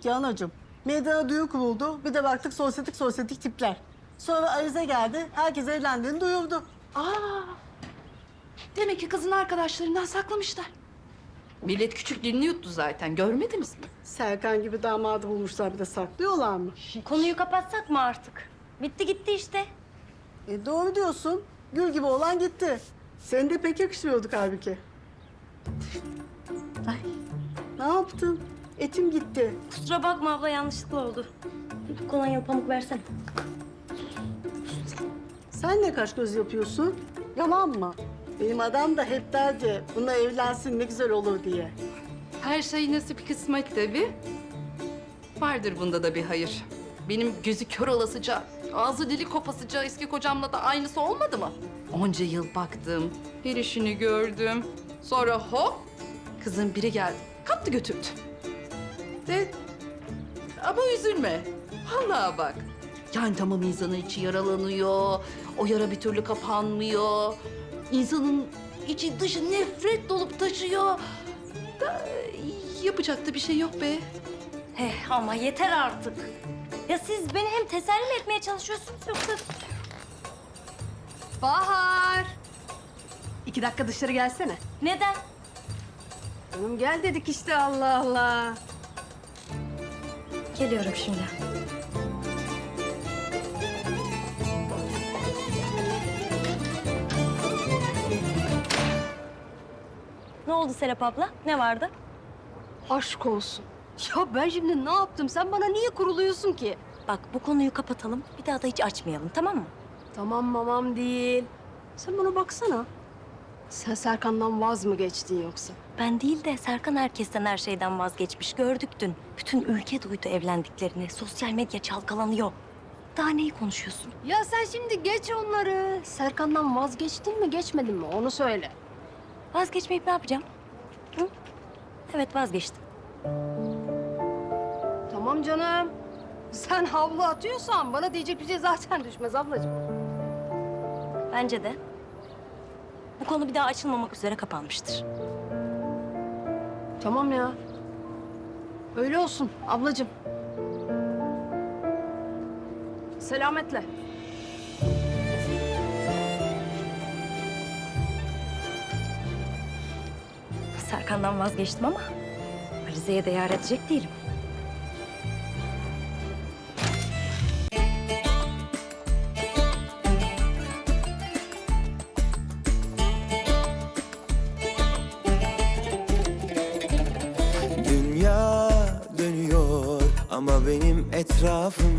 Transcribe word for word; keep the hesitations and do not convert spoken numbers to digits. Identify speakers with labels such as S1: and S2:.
S1: ki anacığım. Meydana düğün kuruldu. Bir de baktık sosyetik sosyetik tipler. Sonra Alize geldi. Herkes evlendiğini duyurdu.
S2: Aa, demek ki kızın arkadaşlarından saklamışlar. Millet küçüklüğünü yuttu zaten. Görmediniz mi?
S1: Serkan gibi damadı bulmuşlar, bir de saklıyorlar mı?
S3: Konuyu kapatsak mı artık? Bitti gitti işte.
S1: E doğru diyorsun. Gül gibi olan gitti. Seni de pek yakışmıyorduk halbuki. Ay, ne yaptın? Etim gitti.
S3: Kusura bakma abla, yanlışlıkla oldu. Kolonyalı pamuk versene.
S1: Sen ne kaş göz yapıyorsun? Yalan mı? Benim adam da hep derdi, bununla evlensin ne güzel olur diye.
S2: Her şey nasip kısmet tabii. Vardır bunda da bir hayır. Benim gözü kör olasıca, ağzı dili kopasıca eski kocamla da aynısı olmadı mı? Onca yıl baktım, her işini gördüm. Sonra hop, kızın biri geldi, kaptı götürdü. De, ama üzülme. Vallahi bak. Yani tamam, insanın içi yaralanıyor, o yara bir türlü kapanmıyor. İnsanın içi dışı nefret dolup taşıyor. Da, yapacak da bir şey yok be.
S3: He ama yeter artık. Ya siz beni hem teselli mi etmeye çalışıyorsunuz yoksa...
S4: Bahar! İki dakika dışarı gelsene.
S3: Neden?
S4: Hanım gel dedik işte, Allah Allah.
S3: Geliyorum şimdi. Ne oldu Serap abla? Ne vardı?
S4: Aşk olsun. Ya ben şimdi ne yaptım? Sen bana niye kuruluyorsun ki?
S3: Bak, bu konuyu kapatalım. Bir daha da hiç açmayalım, tamam mı?
S4: Tamam mamam değil. Sen bana baksana. Sen Serkan'dan vaz mı geçtin yoksa?
S3: Ben değil de Serkan herkesten, her şeyden vazgeçmiş. Gördük dün. Bütün ülke duydu evlendiklerini. Sosyal medya çalkalanıyor. Daha neyi konuşuyorsun?
S4: Ya sen şimdi geç onları. Serkan'dan vazgeçtin mi geçmedin mi onu söyle.
S3: Vazgeçmeyip ne yapacağım? Hı? Evet, vazgeçtim.
S4: Tamam canım. Sen havlu atıyorsan bana diyecek bir şey zaten düşmez ablacığım.
S3: Bence de. Bu konu bir daha açılmamak üzere kapanmıştır.
S4: Tamam ya. Öyle olsun ablacığım. Selametle.
S3: Serkan'dan vazgeçtim ama Alize'ye de yar edecek değilim.
S5: Dünya dönüyor ama benim etrafım